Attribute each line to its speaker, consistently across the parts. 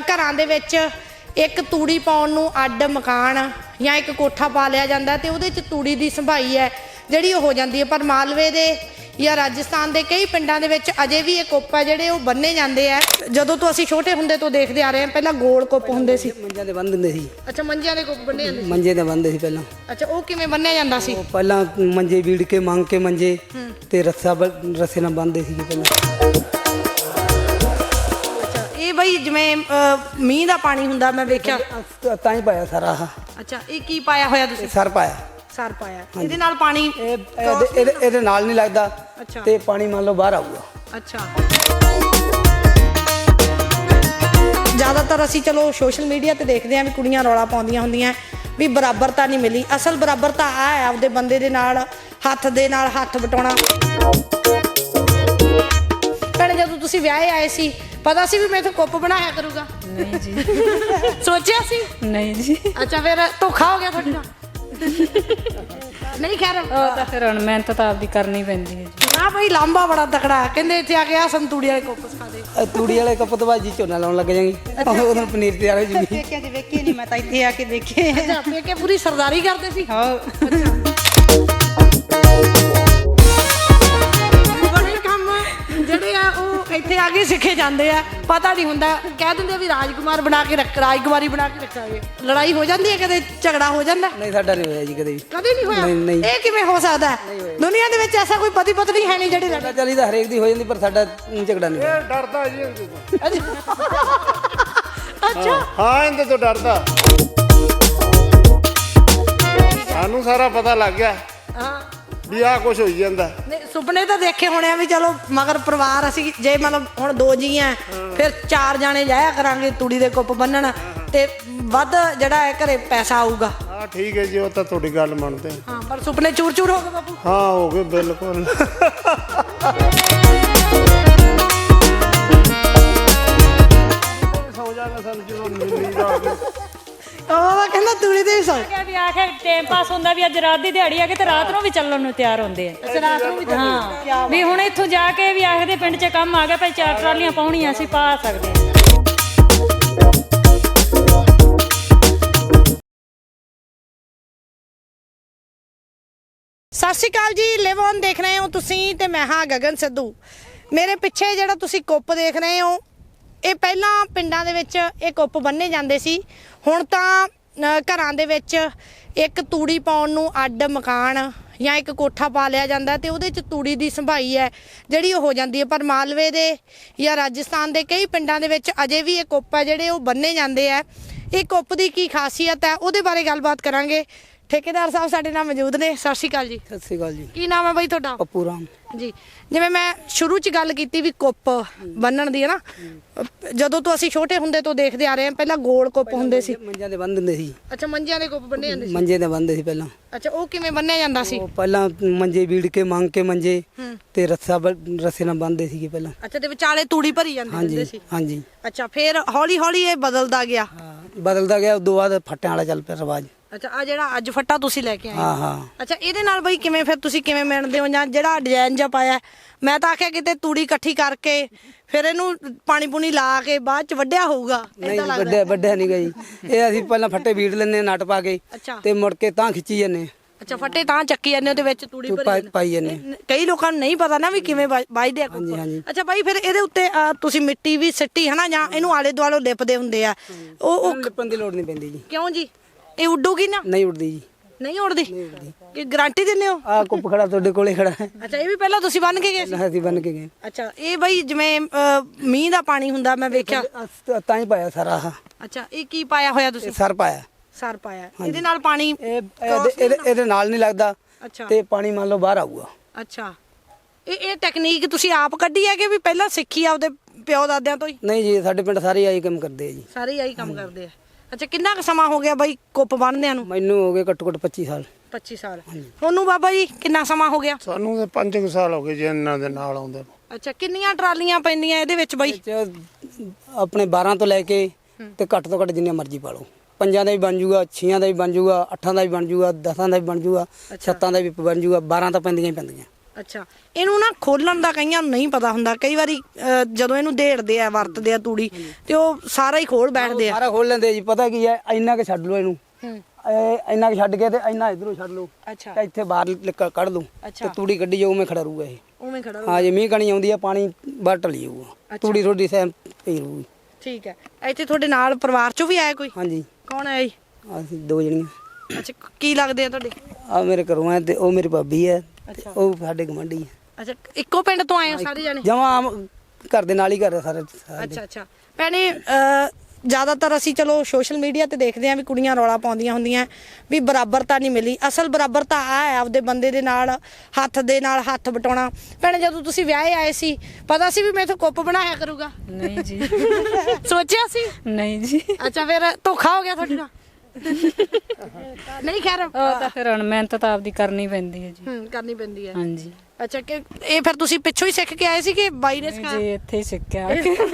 Speaker 1: ਘਰਾਂ ਦੇ ਵਿੱਚ ਇੱਕ ਤੂੜੀ ਪਾਉਣ ਨੂੰ ਅੱਡ ਮਕਾਨ ਜਾਂ ਇੱਕ ਕੋਠਾ ਪਾ ਲਿਆ ਜਾਂਦਾ ਤੇ ਉਹਦੇ 'ਚ ਤੂੜੀ ਦੀ ਸੰਭਾਈ ਹੈ ਜਿਹੜੀ ਉਹ ਹੋ ਜਾਂਦੀ ਹੈ। ਪਰ ਮਾਲਵੇ ਦੇ ਜਾਂ ਰਾਜਸਥਾਨ ਦੇ ਕਈ ਪਿੰਡਾਂ ਦੇ ਵਿੱਚ ਅਜੇ ਵੀ ਇਹ ਕੁੱਪ ਹੈ ਜਿਹੜੇ ਉਹ ਬੰਨੇ ਜਾਂਦੇ ਆ। ਜਦੋਂ ਤੋਂ ਅਸੀਂ ਛੋਟੇ ਹੁੰਦੇ ਤੋਂ ਦੇਖਦੇ ਆ ਰਹੇ ਹਾਂ, ਪਹਿਲਾਂ ਗੋਲ ਕੁੱਪ ਹੁੰਦੇ ਸੀ,
Speaker 2: ਮੰਜਿਆਂ ਤੇ ਬੰਨ੍ਹ ਦਿੰਦੇ ਸੀ।
Speaker 1: ਅੱਛਾ, ਮੰਜਿਆਂ ਦੇ ਕੁੱਪ ਬੰਨੇ ਜਾਂਦੇ ਸੀ।
Speaker 2: ਮੰਜੇ ਤੇ ਬੰਨ੍ਹਦੇ ਸੀ ਪਹਿਲਾਂ।
Speaker 1: ਅੱਛਾ, ਉਹ ਕਿਵੇਂ ਬੰਨਿਆ ਜਾਂਦਾ ਸੀ?
Speaker 2: ਉਹ ਪਹਿਲਾਂ ਮੰਜੇ ਵੀੜ ਕੇ ਮੰਗ ਕੇ ਮੰਜੇ ਤੇ ਰੱਸੇ ਨਾਲ ਬੰਨ੍ਹਦੇ ਸੀਗੇ ਪਹਿਲਾਂ।
Speaker 1: ਅੱਛਾ, ਇਹ ਬਈ ਜਿਵੇਂ ਮੀਂਹ ਦਾ ਪਾਣੀ ਹੁੰਦਾ, ਮੈਂ ਵੇਖਿਆ
Speaker 2: ਤਾਂ ਹੀ ਪਾਇਆ ਸਾਰਾ ਆਹ।
Speaker 1: ਅੱਛਾ, ਇਹ ਕੀ ਪਾਇਆ ਹੋਇਆ ਤੁਸੀਂ?
Speaker 2: ਸਰ ਪਾਇਆ।
Speaker 1: ਸਰ ਪਾਇਆ। ਇਹਦੇ ਨਾਲ ਪਾਣੀ
Speaker 2: ਇਹਦੇ ਨਾਲ ਨਹੀਂ ਲੱਗਦਾ ਤੇ ਪਾਣੀ ਮੰਨ ਲਓ ਬਾਹਰ ਆਊਗਾ।
Speaker 1: ਅੱਛਾ, ਜ਼ਿਆਦਾਤਰ ਅਸੀਂ ਚਲੋ ਸੋਸ਼ਲ ਮੀਡੀਆ ਤੇ ਦੇਖਦੇ ਹਾਂ ਵੀ ਕੁੜੀਆਂ ਰੌਲਾ ਪਾਉਂਦੀਆਂ ਹੁੰਦੀਆਂ ਵੀ ਬਰਾਬਰਤਾ ਨਹੀਂ ਮਿਲੀ। ਅਸਲ ਬਰਾਬਰਤਾ ਆ ਹੈ ਆਪਦੇ ਬੰਦੇ ਦੇ ਨਾਲ ਹੱਥ ਵਟਾਉਣਾ। ਭੈਣੇ, ਜਦੋਂ ਤੁਸੀਂ ਵਿਆਹੇ ਆਏ ਸੀ ਪਤਾ ਸੀ ਵੀ ਮੈਂ ਇੱਥੇ ਕੁੱਪ ਬਣਾਇਆ ਕਰੂਗਾ?
Speaker 3: ਨਹੀਂ ਜੀ।
Speaker 1: ਸੋਚਿਆ ਸੀ?
Speaker 3: ਨਹੀਂ ਜੀ।
Speaker 1: ਅੱਛਾ, ਫਿਰ ਧੋਖਾ ਹੋ ਗਿਆ ਤੁਹਾਡੇ ਨਾਲ? ਨਹੀਂ, ਖੈਰ
Speaker 3: ਉਹ ਤਾਂ ਫਿਰ ਹੁਣ ਮਿਹਨਤ ਤਾਂ ਆਪਦੀ ਕਰਨੀ ਪੈਂਦੀ ਹੈ ਜੀ।
Speaker 1: ਨਾ ਬਈ, ਲਾਂਬਾ ਬੜਾ ਤਕੜਾ ਕਹਿੰਦੇ ਇੱਥੇ ਆ ਕੇ ਆ ਸੰਤੂੜੀ ਵਾਲੇ ਕੁੱਪ ਸਿਖਾ ਦੇ।
Speaker 2: ਤੂੜੀ ਵਾਲੇ ਕੱਪ ਤੋਂ ਬਾਅਦ ਜੀ ਝੋਨਾ ਲਾਉਣ ਲੱਗ ਜਾਵਾਂਗੇ। ਉਦੋਂ ਪਨੀਰ ਤਿਆਰ ਹੋ ਜੂਗੀ।
Speaker 3: ਵੇਖੀ ਨਹੀਂ, ਮੈਂ ਤਾਂ ਇੱਥੇ ਆ ਕੇ ਦੇਖੇ।
Speaker 1: ਅੱਛਾ, ਪੇਕੇ ਪੂਰੀ ਸਰਦਾਰੀ ਕਰਦੇ ਸੀ?
Speaker 3: ਹਾਂ।
Speaker 1: ਬੜੇ ਕੰਮ ਜਿਹੜੇ ਆ ਉਹ ਇੱਥੇ ਆ ਕੇ ਸਿੱਖੇ ਜਾਂਦੇ ਆ। ਪਤਾ ਨਹੀਂ ਹੁੰਦਾ, ਕਹਿ ਦਿੰਦੇ ਵੀ ਰਾਜਕੁਮਾਰੀ ਬਣਾ ਕੇ ਰੱਖਾਂਗੇ। ਲੜਾਈ ਹੋ ਜਾਂਦੀ ਹੈ, ਕਦੇ ਝਗੜਾ ਹੋ ਜਾਂਦਾ?
Speaker 2: ਨਹੀਂ, ਸਾਡਾ ਨਹੀਂ ਹੋਇਆ ਜੀ ਕਦੇ ਵੀ।
Speaker 1: ਕਦੇ ਨਹੀਂ ਹੋਇਆ?
Speaker 2: ਨਹੀਂ।
Speaker 1: ਇਹ ਕਿਵੇਂ ਹੋ ਸਕਦਾ ਹੈ? ਦੁਨੀਆ ਦੇ ਵਿੱਚ ਐਸਾ ਕੋਈ ਪਤੀ ਪਤਨੀ ਹੈ ਨਹੀਂ ਜਿਹੜੇ
Speaker 2: ਸਾਡਾ ਚੱਲੀ ਤਾਂ ਹਰੇਕ ਦੀ ਹੋ ਜਾਂਦੀ, ਪਰ ਸਾਡਾ ਝਗੜਾ ਨਹੀਂ ਹੋਇਆ।
Speaker 4: ਡਰਦਾ ਜੀ ਇਹਦੇ ਤੋਂ।
Speaker 1: ਅੱਛਾ,
Speaker 4: ਹਾਂ, ਇਹਦੇ ਤੋਂ ਡਰਦਾ। ਸਾਨੂੰ ਸਾਰਾ ਪਤਾ ਲੱਗ ਗਿਆ
Speaker 1: ਹਾਂ
Speaker 4: ਵੀ ਆਹ ਕੁਝ ਹੋਈ ਜਾਂਦਾ।
Speaker 1: ਨਹੀਂ, ਸੁਪਨੇ ਤਾਂ ਦੇਖੇ ਹੋਣੇ ਆ ਵੀ ਚਲੋ ਮਗਰ ਪਰਿਵਾਰ ਅਸੀਂ ਜੇ ਮਤਲਬ ਹੁਣ 2 ਜੀ ਆ ਫਿਰ 4 ਜਾਣੇ ਜਾਇਆ ਕਰਾਂਗੇ ਤੂੜੀ ਦੇ ਕੁੱਪ ਬੰਨਣ ਤੇ ਵੱਧ ਜਿਹੜਾ ਹੈ ਘਰੇ ਪੈਸਾ ਆਊਗਾ।
Speaker 4: ਹਾਂ, ਠੀਕ ਹੈ ਜੀ, ਉਹ ਤਾਂ ਤੁਹਾਡੀ ਗੱਲ ਮੰਨਦੇ ਹਾਂ।
Speaker 1: ਹਾਂ, ਪਰ ਸੁਪਨੇ ਚੂਰ ਚੂਰ ਹੋ ਗਏ ਬਾਪੂ।
Speaker 4: ਹਾਂ, ਹੋ ਗਏ ਬਿਲਕੁਲ। ਸੌ ਜਾਣਾ ਸਾਨੂੰ ਜਦੋਂ ਨੀਂਦ ਆ ਗਈ।
Speaker 1: ਉਹ ਕਹਿੰਦਾ ਤੂੜੀ ਦੇ ਸੌ
Speaker 3: ਵੀ ਆਖੇ ਟਾਈਮ ਪਾਸ ਹੁੰਦਾ ਵੀ ਅੱਜ ਰਾਤ ਦੀ ਦਿਹਾੜੀ ਆ ਕੇ ਤੇ ਰਾਤ ਨੂੰ ਵੀ ਚੱਲਣ ਨੂੰ ਤਿਆਰ ਹੁੰਦੇ ਆ।
Speaker 1: ਅੱਛਾ, ਰਾਤ ਨੂੰ ਵੀ
Speaker 3: ਹਾਂ, ਵੀ ਹੁਣ ਇੱਥੋਂ ਜਾ ਕੇ ਵੀ ਆਖਦੇ ਪਿੰਡ 'ਚ ਕੰਮ ਆ ਗਿਆ ਭਾਈ 4 ਟਰਾਲੀਆਂ ਪਾਉਣੀਆਂ ਅਸੀਂ ਪਾ ਸਕਦੇ ਹਾਂ।
Speaker 1: ਸਤਿ ਸ਼੍ਰੀ ਅਕਾਲ ਜੀ, ਲਿਵ ਔਨ ਦੇਖ ਰਹੇ ਹੋ ਤੁਸੀਂ ਤੇ ਮੈਂ ਹਾਂ ਗਗਨ ਸਿੱਧੂ। ਮੇਰੇ ਪਿੱਛੇ ਜਿਹੜਾ ਤੁਸੀਂ ਕੁੱਪ ਦੇਖ ਰਹੇ ਹੋ, ਇਹ ਪਹਿਲਾਂ ਪਿੰਡਾਂ ਦੇ ਵਿੱਚ ਇਹ ਕੁੱਪ ਬੰਨੇ ਜਾਂਦੇ ਸੀ। ਹੁਣ ਤਾਂ ਘਰਾਂ ਦੇ ਵਿੱਚ ਇੱਕ ਤੂੜੀ ਪਾਉਣ ਨੂੰ ਅੱਡ ਮਕਾਨ ਜਾਂ ਇੱਕ ਕੋਠਾ ਪਾ ਲਿਆ ਜਾਂਦਾ ਤੇ ਉਹਦੇ 'ਚ ਤੂੜੀ ਦੀ ਸੰਭਾਈ ਹੈ ਜਿਹੜੀ ਉਹ ਹੋ ਜਾਂਦੀ ਹੈ। ਪਰ ਮਾਲਵੇ ਦੇ ਜਾਂ ਰਾਜਸਥਾਨ ਦੇ ਕਈ ਪਿੰਡਾਂ ਦੇ ਵਿੱਚ ਅਜੇ ਵੀ ਇਹ ਕੁੱਪ ਹੈ ਜਿਹੜੇ ਉਹ ਬੰਨੇ ਜਾਂਦੇ ਆ। ਇਹ ਕੁੱਪ ਦੀ ਕੀ ਖਾਸੀਅਤ ਹੈ ਉਹਦੇ ਬਾਰੇ ਗੱਲਬਾਤ ਕਰਾਂਗੇ। ਠੇਕੇਦਾਰ ਸਾਹਿਬ ਸਾਡੇ ਨਾਲ ਮੌਜੂਦ ਨੇ। ਸਤਿ ਸ਼੍ਰੀ ਅਕਾਲ ਜੀ।
Speaker 2: ਸਤਿ ਸ਼੍ਰੀ ਅਕਾਲ ਜੀ।
Speaker 1: ਕੀ ਨਾਮ ਹੈ ਬਾਈ ਤੁਹਾਡਾ?
Speaker 2: ਪੱਪੂ ਰਾਮ
Speaker 1: ਜੀ। ਜਿਵੇਂ ਮੈਂ ਸ਼ੁਰੂ 'ਚ ਗੱਲ ਕੀਤੀ ਵੀ ਕੁੱਪ ਬੰਨਣ ਦੀ ਹੈ ਨਾ, ਜਦੋਂ ਤੋਂ ਅਸੀਂ ਛੋਟੇ ਹੁੰਦੇ ਤੋਂ ਦੇਖਦੇ ਆ ਰਹੇ ਹਾਂ, ਪਹਿਲਾਂ ਗੋਲ ਕੁੱਪ ਹੁੰਦੇ ਸੀ।
Speaker 2: ਮੰਜਿਆਂ ਤੇ ਬੰਨ੍ਹ ਦਿੰਦੇ ਸੀ।
Speaker 1: ਅੱਛਾ, ਮੰਜਿਆਂ ਦੇ ਕੁੱਪ ਬੰਨੇ ਜਾਂਦੇ ਸੀ।
Speaker 2: ਮੰਜੇ ਤੇ ਬੰਨ੍ਹਦੇ ਸੀ ਪਹਿਲਾਂ।
Speaker 1: ਅੱਛਾ, ਉਹ ਕਿਵੇਂ ਬੰਨਿਆ ਜਾਂਦਾ ਸੀ?
Speaker 2: ਉਹ ਪਹਿਲਾਂ ਮੰਜੇ ਵੀੜ ਕੇ ਮੰਗ ਕੇ ਮੰਜੇ ਤੇ ਰੱਸੇ ਨਾਲ ਬੰਨ੍ਹਦੇ ਸੀਗੇ ਪਹਿਲਾਂ।
Speaker 1: ਅੱਛਾ, ਤੇ ਵਿਚਾਲੇ ਤੂੜੀ ਭਰੀ ਜਾਂਦੀ ਹੁੰਦੀ ਸੀ।
Speaker 2: ਹਾਂਜੀ।
Speaker 1: ਅੱਛਾ, ਫਿਰ ਹੌਲੀ ਹੌਲੀ ਇਹ ਬਦਲਦਾ ਗਿਆ।
Speaker 2: ਬਦਲਦਾ ਗਿਆ। ਉਦੋਂ ਬਾਅਦ ਫੱਟਿਆਂ ਵਾਲਾ ਚੱਲ ਪਿਆ ਰਿਵਾਜ।
Speaker 1: ਅੱਛਾ, ਆ ਜਿਹੜਾ ਅੱਜ ਫੱਟਾ ਤੁਸੀਂ ਲੈ ਕੇ ਆਏ?
Speaker 2: ਹਾਂ।
Speaker 1: ਅੱਛਾ, ਇਹਦੇ ਨਾਲ ਬਈ ਕਿਵੇਂ ਫਿਰ ਤੁਸੀਂ ਕਿਵੇਂ ਮਿਣਦੇ ਹੋ ਜਾਂ ਜਿਹੜਾ ਡਿਜ਼ਾਈਨ ਜਿਹਾ ਪਾਇਆ? ਮੈਂ ਤਾਂ ਆਖਿਆ ਕਿਤੇ ਤੂੜੀ ਇਕੱਠੀ ਕਰਕੇ ਫਿਰ ਇਹਨੂੰ ਪਾਣੀ ਪੂਣੀ ਲਾ ਕੇ ਬਾਅਦ ਚ ਵੱਢਿਆ ਹੋਊਗਾ।
Speaker 2: ਨਹੀਂ, ਵੱਡਿਆ ਨਹੀਂ ਗਈ। ਇਹ ਅਸੀਂ ਪਹਿਲਾਂ ਫੱਟੇ ਵੀੜ ਲੈਂਦੇ ਨੱਟ ਪਾ ਕੇ ਤੇ ਮੁੜ ਕੇ ਤਾਂ ਖਿੱਚੀ ਜਾਂਦੇ।
Speaker 1: ਅੱਛਾ, ਫੱਟੇ ਤਾਂ ਚੱਕੀ ਜਾਂਦੇ ਉਹਦੇ ਵਿੱਚ ਤੂੜੀ
Speaker 2: ਪਾਈ ਜਾਂਦੇ।
Speaker 1: ਕਈ ਲੋਕਾਂ ਨੂੰ ਨਹੀਂ ਪਤਾ ਨਾ ਵੀ ਕਿਵੇਂ ਵੱਜਦੇ ਆ। ਅੱਛਾ ਬਾਈ, ਫਿਰ ਇਹਦੇ ਉੱਤੇ ਤੁਸੀਂ ਮਿੱਟੀ ਵੀ ਸਿੱਟੀ ਹਨਾ ਜਾਂ ਇਹਨੂੰ ਆਲੇ ਦੁਆਲੇ ਲਿਪਦੇ ਹੁੰਦੇ ਆ? ਉਹ
Speaker 2: ਲਿਪਣ ਦੀ ਲੋੜ ਨਹੀਂ ਪੈਂਦੀ ਜੀ।
Speaker 1: ਕਿਉਂ ਜੀ? ਇਹ ਉੱਡੂਗੀ ਨਾ?
Speaker 2: ਨਹੀਂ ਉੱਡਦੀ ਜੀ।
Speaker 1: ਨਹੀਂ ਉੜਦੀ? ਕਿ ਗਾਰੰਟੀ ਦਿੰਦੇ ਹੋ?
Speaker 2: ਆਹ ਕੁੱਪ ਖੜਾ ਤੁਹਾਡੇ ਕੋਲੇ ਖੜਾ ਹੈ।
Speaker 1: ਅੱਛਾ, ਇਹ ਵੀ ਪਹਿਲਾਂ ਤੁਸੀਂ ਬੰਨ ਕੇ ਗਏ ਸੀ?
Speaker 2: ਅਸੀਂ ਬੰਨ ਕੇ ਗਏ।
Speaker 1: ਅੱਛਾ, ਇਹ ਬਈ ਜਿਵੇਂ ਮੀਂਹ ਦਾ ਪਾਣੀ ਹੁੰਦਾ, ਮੈਂ ਵੇਖਿਆ
Speaker 2: ਤਾਂ ਹੀ ਪਾਇਆ ਸਾਰਾ ਆਹ।
Speaker 1: ਅੱਛਾ, ਇਹ ਕੀ ਪਾਇਆ ਹੋਇਆ ਤੁਸੀਂ?
Speaker 2: ਸਰ ਪਾਇਆ।
Speaker 1: ਸਰ ਪਾਇਆ। ਇਹਦੇ ਨਾਲ ਪਾਣੀ
Speaker 2: ਇਹਦੇ ਨਾਲ ਨਹੀਂ ਲੱਗਦਾ ਤੇ ਪਾਣੀ ਮੰਨ ਲਓ ਬਾਹਰ ਆਊਗਾ।
Speaker 1: ਅੱਛਾ, ਇਹ ਟੈਕਨੀਕ ਤੁਸੀਂ ਆਪ ਕੱਢੀ ਹੈ ਕਿ ਵੀ ਪਹਿਲਾਂ ਸਿੱਖੀ ਆ ਉਹਦੇ ਪਿਓ ਦਾਦਿਆਂ ਤੋਂ ਹੀ?
Speaker 2: ਨਹੀਂ ਜੀ, ਸਾਡੇ ਪਿੰਡ ਸਾਰੇ ਆਹੀ ਕੰਮ ਕਰਦੇ ਆ ਜੀ।
Speaker 1: ਸਾਰੇ ਆਹੀ ਕੰਮ ਕਰਦੇ ਆ। ਅੱਛਾ, ਕਿੰਨਾ ਕੁ ਸਮਾਂ ਹੋ ਗਿਆ ਬਾਈ ਕੁੱਪ ਬੰਨਦਿਆਂ ਨੂੰ?
Speaker 2: ਮੈਨੂੰ ਹੋ ਗਏ ਘੱਟੋ ਘੱਟ 25 ਸਾਲ।
Speaker 1: 25 ਸਾਲ। ਤੁਹਾਨੂੰ ਬਾਬਾ ਜੀ ਕਿੰਨਾ ਸਮਾਂ ਹੋ ਗਿਆ?
Speaker 4: ਸਾਨੂੰ ਤਾਂ 5 ਸਾਲ ਹੋ ਗਏ ਜੀ ਇਹਨਾਂ ਦੇ ਨਾਲ ਆਉਂਦੇ।
Speaker 1: ਅੱਛਾ, ਕਿੰਨੀਆਂ ਟਰਾਲੀਆਂ ਪੈਂਦੀਆਂ ਇਹਦੇ ਵਿੱਚ ਬਾਈ?
Speaker 2: ਆਪਣੇ 12 ਤੋਂ ਲੈ ਕੇ ਤੇ ਘੱਟ ਤੋਂ ਘੱਟ ਜਿੰਨੀਆਂ ਮਰਜ਼ੀ ਪਾ ਲਓ। 5 ਦਾ ਵੀ ਬਣ ਜੂਗਾ, 6 ਦਾ ਵੀ ਬਣ ਜੂਗਾ, 8 ਦਾ ਵੀ ਬਣ ਜੂਗਾ, 10 ਦਾ ਵੀ ਬਣ ਜੂਗਾ, 7 ਦਾ ਵੀ ਬਣ ਜੂਗਾ, 12 ਤਾਂ ਪੈਂਦੀਆਂ ਹੀ ਪੈਂਦੀਆਂ।
Speaker 1: ਅੱਛਾ, ਇਹਨੂੰ ਨਾ ਖੋਲਣ ਦਾ ਕਈਆਂ ਨੂੰ ਨਹੀਂ ਪਤਾ ਹੁੰਦਾ। ਕਈ ਵਾਰੀ ਜਦੋਂ ਇਹਨੂੰ ਢੇੜਦੇ ਆ, ਵਰਤਦੇ ਆ ਤੂੜੀ, ਤੇ ਉਹ ਸਾਰਾ ਹੀ ਖੋਲ ਬੈਠਦੇ ਆ।
Speaker 2: ਸਾਰਾ ਖੋਲ ਲੈਂਦੇ ਜੀ। ਪਤਾ ਕੀ ਹੈ, ਇੰਨਾ ਕੁ ਛੱਡ ਲਓ ਇਹਨੂੰ, ਇੰਨਾ ਕੁ ਛੱਡ ਕੇ ਤੇ ਇੰਨਾ ਇਧਰੋਂ ਛੱਡ ਲਓ,
Speaker 1: ਅੱਛਾ
Speaker 2: ਤੇ ਇੱਥੇ ਬਾਹਰ ਕੱਢ ਲਓ, ਤੇ ਤੂੜੀ ਕੱਢੀ ਜਾਊ, ਉਵੇਂ ਖੜਾ ਰਹੂਗਾ ਇਹ।
Speaker 1: ਉਵੇਂ ਖੜਾ
Speaker 2: ਹਾਂ, ਜੇ ਮੀਂਹ ਕਣੀ ਆਉਂਦੀ ਆ, ਪਾਣੀ ਬਾਹਰ ਢਲੀ ਜਾਊਗਾ, ਤੂੜੀ ਥੋੜੀ ਸਹਿਮ ਪਈ ਰਹੂਗੀ।
Speaker 1: ਠੀਕ ਹੈ। ਇੱਥੇ ਤੁਹਾਡੇ ਨਾਲ ਪਰਿਵਾਰ ਚੋਂ ਵੀ ਆਇਆ ਕੋਈ?
Speaker 2: ਹਾਂਜੀ,
Speaker 1: ਕੌਣ ਆਇਆ ਜੀ?
Speaker 2: ਅਸੀਂ 2 ਜਣੀਆਂ।
Speaker 1: ਅੱਛਾ, ਕੀ ਲੱਗਦੇ ਆ ਤੁਹਾਡੇ?
Speaker 2: ਆ ਮੇਰੇ ਘਰੋਂ ਆ, ਤੇ ਉਹ ਮੇਰੀ ਭਾਬੀ ਹੈ, ਤੇ ਉਹ ਸਾਡੇ ਗਵਾਂਢੀ ਹੈ।
Speaker 1: ਅੱਛਾ, ਇੱਕੋ ਪਿੰਡ ਤੋਂ ਆਏ ਹੋ ਸਾਰੇ ਜਣੇ?
Speaker 2: ਜਮਾਂ ਘਰ ਦੇ ਨਾਲ ਹੀ ਘਰ ਆ ਸਾਰੇ।
Speaker 1: ਅੱਛਾ ਅੱਛਾ। ਭੈਣੇ, ਜ਼ਿਆਦਾਤਰ ਅਸੀਂ ਚਲੋ ਸੋਸ਼ਲ ਮੀਡੀਆ ਤੇ ਦੇਖਦੇ ਆਂ ਵੀ ਕੁੜੀਆਂ ਰੌਲਾ ਪਾਉਂਦੀਆਂ ਹੁੰਦੀਆਂ ਵੀ ਬਰਾਬਰਤਾ ਨਹੀਂ ਮਿਲੀ। ਅਸਲ ਬਰਾਬਰਤਾ ਆ ਹੈ ਆਪਦੇ ਬੰਦੇ ਦੇ ਨਾਲ ਹੱਥ ਬਟਾਉਣਾ। ਭੈਣੇ, ਜਦੋਂ ਤੁਸੀਂ ਵਿਆਹੇ ਆਏ ਸੀ, ਪਤਾ ਸੀ ਵੀ ਮੈਥੋਂ ਕੁੱਪ ਬਣਾਇਆ ਕਰੂਗਾ?
Speaker 3: ਨਹੀਂ ਜੀ।
Speaker 1: ਸੋਚਿਆ ਸੀ?
Speaker 3: ਨਹੀਂ ਜੀ।
Speaker 1: ਅੱਛਾ, ਫਿਰ ਧੋਖਾ ਹੋ ਗਿਆ ਤੁਹਾਡੇ ਨਾਲ? ਨਹੀਂ, ਖੈਰ
Speaker 3: ਉਹ ਤਾਂ ਫਿਰ ਹੁਣ ਮਿਹਨਤ ਤਾਂ ਆਪਦੀ ਕਰਨੀ ਪੈਂਦੀ ਹੈ ਜੀ।
Speaker 1: ਕਰਨੀ ਪੈਂਦੀ ਹੈ।
Speaker 3: ਹਾਂਜੀ।
Speaker 1: ਅੱਛਾ, ਕਿ ਇਹ ਫਿਰ ਤੁਸੀਂ ਪਿੱਛੋਂ ਹੀ ਸਿੱਖ ਕੇ ਆਏ ਸੀ ਕਿ ਬਾਈ ਨੇ ਸਿਖਾਇਆ?
Speaker 3: ਜੀ, ਇੱਥੇ ਹੀ ਸਿੱਖਿਆ।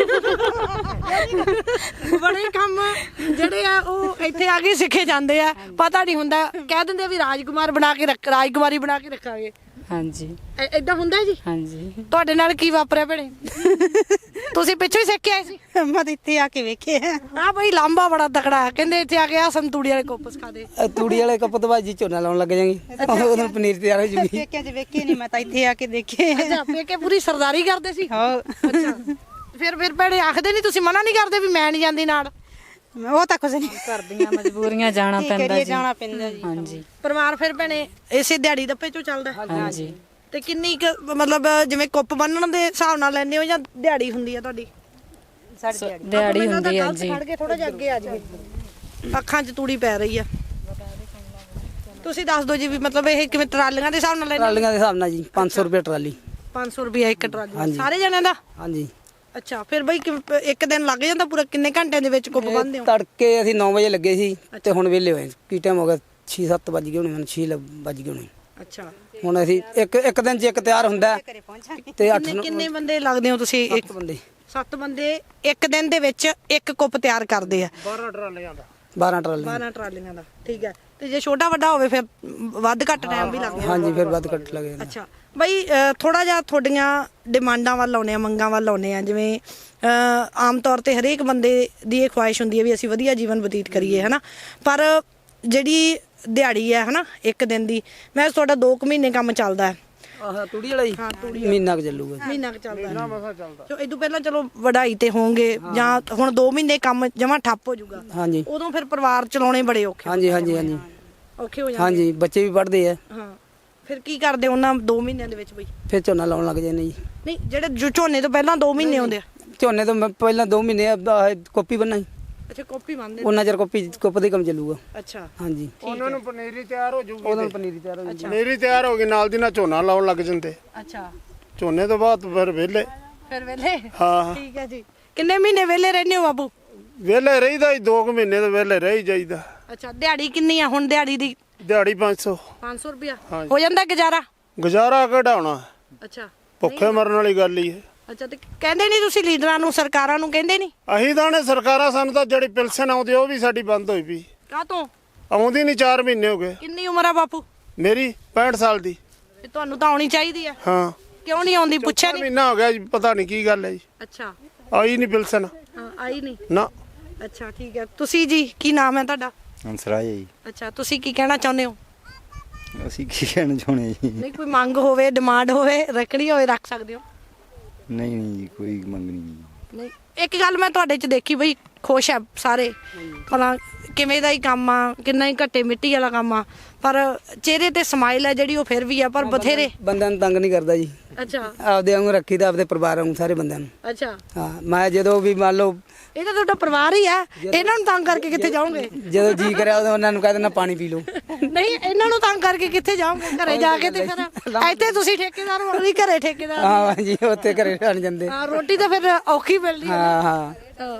Speaker 1: ਬੜੇ ਕੰਮ ਜਿਹੜੇ ਆ ਉਹ ਇੱਥੇ ਆ ਕੇ ਸਿੱਖੇ ਜਾਂਦੇ ਆ। ਪਤਾ ਨਹੀਂ ਹੁੰਦਾ, ਕਹਿ ਦਿੰਦੇ ਆ ਵੀ ਰਾਜਕੁਮਾਰੀ ਬਣਾ ਕੇ ਰੱਖਾਂਗੇ।
Speaker 3: ਹਾਂਜੀ।
Speaker 1: ਏਦਾਂ ਹੁੰਦਾ ਜੀ?
Speaker 3: ਹਾਂਜੀ।
Speaker 1: ਤੁਹਾਡੇ ਨਾਲ ਕੀ ਵਾਪਰਿਆ ਭੈਣੇ? ਤੁਸੀਂ ਪਿੱਛੋਂ ਹੀ ਸਿੱਖ ਕੇ ਆਏ ਸੀ?
Speaker 5: ਮੈਂ ਤਾਂ ਇੱਥੇ ਆ ਕੇ ਵੇਖਿਆ।
Speaker 1: ਆ ਬਈ ਲਾਂਬਾ ਬੜਾ ਤਕੜਾ, ਕਹਿੰਦੇ ਇੱਥੇ ਆ ਕੇ ਆ ਸੰਤੂੜੀ ਵਾਲੇ ਕੁੱਪ ਸਿਖਾ ਦੇ।
Speaker 2: ਤੂੜੀ ਵਾਲੇ ਕੱਪ ਤੋਂ ਬਾਅਦ ਜੀ ਝੋਨਾ ਲਾਉਣ ਲੱਗ ਜਾਵਾਂਗੇ, ਉਦੋਂ ਪਨੀਰ ਤਿਆਰ ਹੋ ਜੂਗੀ।
Speaker 5: ਵੇਖਿਆ ਜੀ, ਵੇਖੇ ਨਹੀਂ, ਮੈਂ ਤਾਂ ਇੱਥੇ ਆ ਕੇ ਦੇਖੇ।
Speaker 1: ਅੱਛਾ, ਪੇਕੇ ਪੂਰੀ ਸਰਦਾਰੀ ਕਰਦੇ ਸੀ?
Speaker 5: ਹਾਂ।
Speaker 1: ਅੱਛਾ, ਫਿਰ ਭੈਣੇ ਆਖਦੇ ਨਹੀਂ, ਤੁਸੀਂ ਮਨਾ ਨਹੀਂ ਕਰਦੇ ਵੀ ਮੈਂ ਨਹੀਂ ਜਾਂਦੀ ਨਾਲ?
Speaker 5: ਉਹ ਤਾਂ ਕੁਝ ਨਹੀਂ
Speaker 3: ਕਰਦੀਆਂ ਮਜਬੂਰੀਆਂ ਜਾਣਾ ਪੈਂਦਾ ਜੀ।
Speaker 5: ਜਾਣਾ ਪੈਂਦਾ ਜੀ।
Speaker 3: ਹਾਂਜੀ।
Speaker 1: ਪਰਿਵਾਰ ਫਿਰ ਭੈਣੇ ਇਸੇ ਦਿਹਾੜੀ ਦੱਪੇ ਚੋਂ ਚੱਲਦਾ?
Speaker 3: ਹਾਂਜੀ।
Speaker 1: ਤੇ ਕਿੰਨੀ ਕੁ ਮਤਲਬ ਜਿਵੇਂ ਕੁੱਪ ਬੰਨਣ ਦੇ ਹਿਸਾਬ ਨਾਲ ਲੈਂਦੇ ਹੋ ਜਾਂ ਦਿਹਾੜੀ ਹੁੰਦੀ ਆ ਤੁਹਾਡੀ?
Speaker 3: ਦਿਹਾੜੀ ਹੁੰਦੀ ਹੈ ਜੀ।
Speaker 1: ਖੜ ਕੇ ਥੋੜਾ ਜਿਹਾ ਅੱਗੇ ਆ ਜਾਵੇ, ਅੱਖਾਂ 'ਚ ਤੂੜੀ ਪੈ ਰਹੀ ਆ। ਤੁਸੀਂ ਦੱਸ ਦਿਓ ਜੀ ਵੀ ਮਤਲਬ ਇਹ ਕਿਵੇਂ ਟਰਾਲੀਆਂ ਦੇ ਹਿਸਾਬ ਨਾਲ ਲੈਂਦੇ?
Speaker 2: ਟਰਾਲੀਆਂ ਦੇ ਹਿਸਾਬ ਨਾਲ ਜੀ 500 ਰੁਪਏ ਟਰਾਲੀ।
Speaker 1: 500 ਰੁਪਏ ਇੱਕ ਟਰਾਲੀ ਸਾਰੇ ਜਣਿਆਂ ਦਾ?
Speaker 2: ਹਾਂਜੀ।
Speaker 1: ਅੱਛਾ, ਫਿਰ ਬਈ ਇੱਕ ਦਿਨ ਲੱਗ ਜਾਂਦਾ ਪੂਰਾ? ਕਿੰਨੇ ਘੰਟਿਆਂ ਦੇ ਵਿੱਚ ਕੁੱਪ ਬੰਨਦੇ ਹੋ?
Speaker 2: ਤੜਕੇ ਅਸੀਂ 9 ਵਜੇ ਲੱਗੇ ਸੀ, ਤੇ ਹੁਣ ਵਿਹਲੇ ਹੋਏ। ਕੀ ਟਾਈਮ ਹੋ ਗਿਆ? 6-7 ਵੱਜ ਗਏ ਹੋਣੇ, ਮੈਨੂੰ 6 ਵੱਜ ਗਏ ਹੋਣੇ।
Speaker 1: ਅੱਛਾ,
Speaker 2: ਹੁਣ ਅਸੀਂ ਇੱਕ ਦਿਨ 'ਚ ਇੱਕ ਤਿਆਰ ਹੁੰਦਾ ਤੇ 8
Speaker 1: ਕਿੰਨੇ ਬੰਦੇ ਲੱਗਦੇ ਹੋ ਤੁਸੀਂ?
Speaker 2: 1 ਬੰਦੇ।
Speaker 1: 7 ਬੰਦੇ ਇੱਕ ਦਿਨ ਦੇ ਵਿੱਚ ਇੱਕ ਕੁੱਪ ਤਿਆਰ ਕਰਦੇ ਆ?
Speaker 4: 12 ਟਰਾਲੀਆਂ ਦਾ।
Speaker 2: 12 ਟਰਾਲੀ।
Speaker 1: 12 ਟਰਾਲੀਆਂ ਦਾ, ਠੀਕ ਹੈ। ਤੇ ਜੇ ਛੋਟਾ ਵੱਡਾ ਹੋਵੇ ਫਿਰ ਵੱਧ ਘੱਟ ਟਾਈਮ ਵੀ ਲੱਗ ਜਾਂਦਾ?
Speaker 2: ਹਾਂਜੀ, ਫਿਰ ਵੱਧ ਘੱਟ ਲੱਗ ਜਾਂਦਾ।
Speaker 1: ਅੱਛਾ ਬਈ, ਥੋੜਾ ਜਿਹਾ ਤੁਹਾਡੀਆਂ ਡਿਮਾਂਡਾਂ ਵੱਲ ਆਉਂਦੇ ਆ, ਮੰਗਾਂ ਵੱਲ ਆਉਂਦੇ ਆ। ਜਿਵੇਂ ਆਮ ਤੌਰ ਤੇ ਹਰੇਕ ਬੰਦੇ ਦੀ ਇਹ ਖੁਆਇਸ਼ ਹੁੰਦੀ ਹੈ ਵੀ ਅਸੀਂ ਵਧੀਆ ਜੀਵਨ ਬਤੀਤ ਕਰੀਏ, ਹਨਾ। ਪਰ ਜਿਹੜੀ ਦਿਹਾੜੀ ਹੈ ਹਨਾ ਇੱਕ ਦਿਨ ਦੀ, ਮੈਂ ਤੁਹਾਡਾ 2 ਮਹੀਨੇ ਕੰਮ ਚੱਲਦਾ ਹੈ?
Speaker 2: ਆਹ ਤੂੜੀ ਵਾਲਾ ਜੀ?
Speaker 1: ਹਾਂ, ਤੂੜੀ
Speaker 2: ਮਹੀਨਾ ਕੁ ਚੱਲੂਗਾ।
Speaker 1: ਮਹੀਨਾ ਕੁ ਚੱਲਦਾ। ਜੋ ਇਦੋਂ ਪਹਿਲਾਂ ਚਲੋ ਵਢਾਈ ਤੇ ਹੋਣਗੇ, ਜਾਂ ਹੁਣ 2 ਮਹੀਨੇ ਕੰਮ ਜਮਾਂ ਠੱਪ ਹੋ ਜਾਊਗਾ,
Speaker 2: ਹਾਂਜੀ।
Speaker 1: ਉਦੋਂ ਫਿਰ ਪਰਿਵਾਰ ਚਲਾਉਣੇ ਬੜੇ ਔਖੇ
Speaker 2: ਹਾਂਜੀ।
Speaker 1: ਔਖੇ ਹੋ ਜਾਂਦੇ?
Speaker 2: ਹਾਂਜੀ, ਬੱਚੇ ਵੀ ਪੜ੍ਹਦੇ ਆ।
Speaker 1: ਹਾਂ, ਫਿਰ ਕੀ ਕਰਦੇ ਉਹਨਾਂ 2 ਮਹੀਨਿਆਂ ਦੇ ਵਿੱਚ ਬਈ?
Speaker 2: ਫਿਰ ਝੋਨਾ ਲਾਉਣ ਲੱਗ ਜਾਂਦੇ ਜੀ।
Speaker 1: ਨਹੀਂ, ਜਿਹੜੇ ਝੋਨੇ ਤੋਂ ਪਹਿਲਾਂ 2 ਮਹੀਨੇ ਆਉਂਦੇ ਆ?
Speaker 2: ਝੋਨੇ ਤੋਂ ਪਹਿਲਾਂ 2 ਮਹੀਨੇ ਕਾਪੀ ਬੰਨਾ।
Speaker 1: ਅੱਛਾ, ਕਾਪੀ ਬੰਨਦੇ?
Speaker 2: ਉਹਨਾਂ ਚਿਰ ਕੁੱਪ ਦੇ ਕੰਮ ਚੱਲੂਗਾ।
Speaker 1: ਅੱਛਾ,
Speaker 2: ਹਾਂਜੀ।
Speaker 4: ਉਹਨਾਂ ਨੂੰ ਪਨੀਰੀ ਤਿਆਰ ਹੋ ਜੂਗੀ।
Speaker 2: ਉਹਨਾਂ ਪਨੀਰੀ ਤਿਆਰ ਹੋ ਜੂਗੀ।
Speaker 4: ਪਨੀਰੀ ਤਿਆਰ ਹੋ ਗਈ, ਨਾਲ ਦੀ ਨਾਲ ਝੋਨਾ ਲਾਉਣ ਲੱਗ ਜਾਂਦੇ।
Speaker 1: ਅੱਛਾ,
Speaker 4: ਝੋਨੇ ਤੋਂ ਬਾਅਦ ਫਿਰ ਵਿਹਲੇ।
Speaker 1: ਫਿਰ ਵੇਲੇ?
Speaker 4: ਹਾਂ।
Speaker 1: ਠੀਕ ਹੈ ਜੀ। ਕਿੰਨੇ ਮਹੀਨੇ ਵੇਲੇ ਰਹਿੰਦੇ ਹੋ ਬਾਬੂ?
Speaker 4: ਵਿਹਲੇ ਰਹੀਦਾ ਜੀ, 2 ਮਹੀਨੇ ਤੋਂ ਵਿਹਲੇ ਰਹਿ ਜਾਈਦਾ।
Speaker 1: ਅੱਛਾ, ਦਿਹਾੜੀ ਕਿੰਨੀ ਆ ਹੁਣ? ਦਿਹਾੜੀ ਦੀ
Speaker 4: ਦਿਹਾੜੀ 500।
Speaker 1: 500 ਰੁਪਇਆ
Speaker 4: ਹਾਂਜੀ।
Speaker 1: ਹੋ ਜਾਂਦਾ ਗੁਜ਼ਾਰਾ?
Speaker 4: ਗੁਜ਼ਾਰਾ ਕਢਾਉਣਾ,
Speaker 1: ਅੱਛਾ।
Speaker 4: ਭੁੱਖੇ ਮਰਨ ਵਾਲੀ ਗੱਲ ਹੀ ਹੈ।
Speaker 1: ਅੱਛਾ, ਤੇ ਕਹਿੰਦੇ ਨਹੀਂ ਤੁਸੀਂ ਲੀਡਰਾਂ ਨੂੰ, ਸਰਕਾਰਾਂ ਨੂੰ ਕਹਿੰਦੇ ਨਹੀਂ?
Speaker 4: ਅਸੀਂ ਤਾਂ ਨੇ ਸਰਕਾਰਾਂ, ਸਾਨੂੰ ਤਾਂ ਜਿਹੜੀ ਪਿਲਸਨ ਆਉਂਦੀ ਉਹ ਵੀ ਸਾਡੀ ਬੰਦ ਹੋਈ ਪਈ।
Speaker 1: ਕਾਹ ਤੋਂ?
Speaker 4: ਆਉਂਦੀ ਨਹੀਂ, 4 ਮਹੀਨੇ ਹੋ ਗਏ।
Speaker 1: ਕਿੰਨੀ ਉਮਰ ਆ ਬਾਪੂ?
Speaker 4: ਮੇਰੀ 65 ਸਾਲ ਦੀ।
Speaker 1: ਤੇ ਤੁਹਾਨੂੰ ਤਾਂ ਆਉਣੀ ਚਾਹੀਦੀ ਆ।
Speaker 4: ਹਾਂ।
Speaker 1: ਕਿਉਂ ਨਹੀਂ ਆਉਂਦੀ? ਪੁੱਛਿਆ ਨਹੀਂ?
Speaker 4: ਮਹੀਨਾ ਹੋ ਗਿਆ ਜੀ, ਪਤਾ ਨਹੀਂ ਕੀ ਗੱਲ ਹੈ ਜੀ।
Speaker 1: ਅੱਛਾ।
Speaker 4: ਆਈ ਨਹੀਂ ਪਿਲਸਨ।
Speaker 1: ਹਾਂ, ਆਈ ਨਹੀਂ?
Speaker 4: ਨਾ।
Speaker 1: ਅੱਛਾ, ਠੀਕ ਹੈ। ਤੁਸੀਂ ਜੀ, ਕੀ ਨਾਮ ਹੈ ਤੁਹਾਡਾ?
Speaker 6: ਹੰਸਰਾਜ ਜੀ।
Speaker 1: ਅੱਛਾ, ਤੁਸੀਂ ਕੀ ਕਹਿਣਾ ਚਾਹੁੰਦੇ ਹੋ?
Speaker 6: ਅਸੀਂ ਕੀ ਕਹਿਣਾ ਚਾਹੁੰਦੇ ਜੀ?
Speaker 1: ਨਹੀਂ, ਕੋਈ ਮੰਗ ਹੋਵੇ, ਡਿਮਾਂਡ ਹੋਵੇ, ਰੱਖਣੀ ਹੋਵੇ, ਰੱਖ ਸਕਦੇ ਹੋ?
Speaker 6: ਨਹੀਂ ਜੀ, ਕੋਈ ਮੰਗ ਨਹੀਂ ਜੀ।
Speaker 1: ਨਹੀਂ, ਇੱਕ ਗੱਲ ਮੈਂ ਤੁਹਾਡੇ 'ਚ ਦੇਖੀ ਬਈ, ਖੁਸ਼ ਆ ਸਾਰੇ, ਭਲਾ ਕਿਵੇਂ ਦਾ ਹੀ ਕੰਮ ਆ, ਕਿੰਨਾ ਹੀ ਘੱਟੇ ਮਿੱਟੀ ਵਾਲਾ ਕੰਮ ਆ, ਪਰ ਚਿਹਰੇ ਤੇ ਸਮਾਈਲ ਹੈ ਜਿਹੜੀ ਉਹ ਫਿਰ ਵੀ ਆ, ਪਰ ਬਥੇਰੇ।
Speaker 2: ਬੰਦਿਆਂ ਨੂੰ ਤੰਗ ਨਹੀਂ ਕਰਦਾ ਜੀ।
Speaker 1: ਅੱਛਾ।
Speaker 2: ਆਪਦੇ ਵਾਂਗੂ ਰੱਖੀਦਾ, ਆਪਦੇ ਪਰਿਵਾਰ ਵਾਂਗੂ ਸਾਰੇ ਬੰਦਿਆਂ ਨੂੰ।
Speaker 1: ਅੱਛਾ।
Speaker 2: ਹਾਂ, ਮੈਂ ਜਦੋਂ ਵੀ ਮੰਨ ਲਓ
Speaker 1: ਇਹ ਤਾਂ ਤੁਹਾਡਾ ਪਰਿਵਾਰ ਹੀ ਆ, ਇਹਨਾਂ ਨੂੰ ਤੰਗ ਕਰਕੇ ਕਿੱਥੇ ਜਾਓਗੇ?
Speaker 2: ਜਦੋਂ ਜੀ ਕਰਿਆ ਉਦੋਂ ਉਹਨਾਂ ਨੂੰ ਕਹਿ ਦੇਣਾ ਪਾਣੀ ਪੀ ਲਓ।
Speaker 1: ਨਹੀਂ, ਇਹਨਾਂ ਨੂੰ ਤੰਗ ਕਰਕੇ ਕਿੱਥੇ ਜਾਓਗੇ? ਘਰੇ ਜਾ ਕੇ ਤੇ ਫਿਰ ਇੱਥੇ ਤੁਸੀਂ ਠੇਕੇਦਾਰ ਹੋ, ਵੀ ਘਰੇ ਠੇਕੇਦਾਰ?
Speaker 2: ਹਾਂ ਜੀ, ਉੱਥੇ ਘਰੇ ਰਹਿਣ ਜਾਂਦੇ।
Speaker 1: ਹਾਂ, ਰੋਟੀ ਤਾਂ ਫਿਰ ਔਖੀ ਮਿਲਦੀ ਹੈ।
Speaker 2: ਹਾਂ।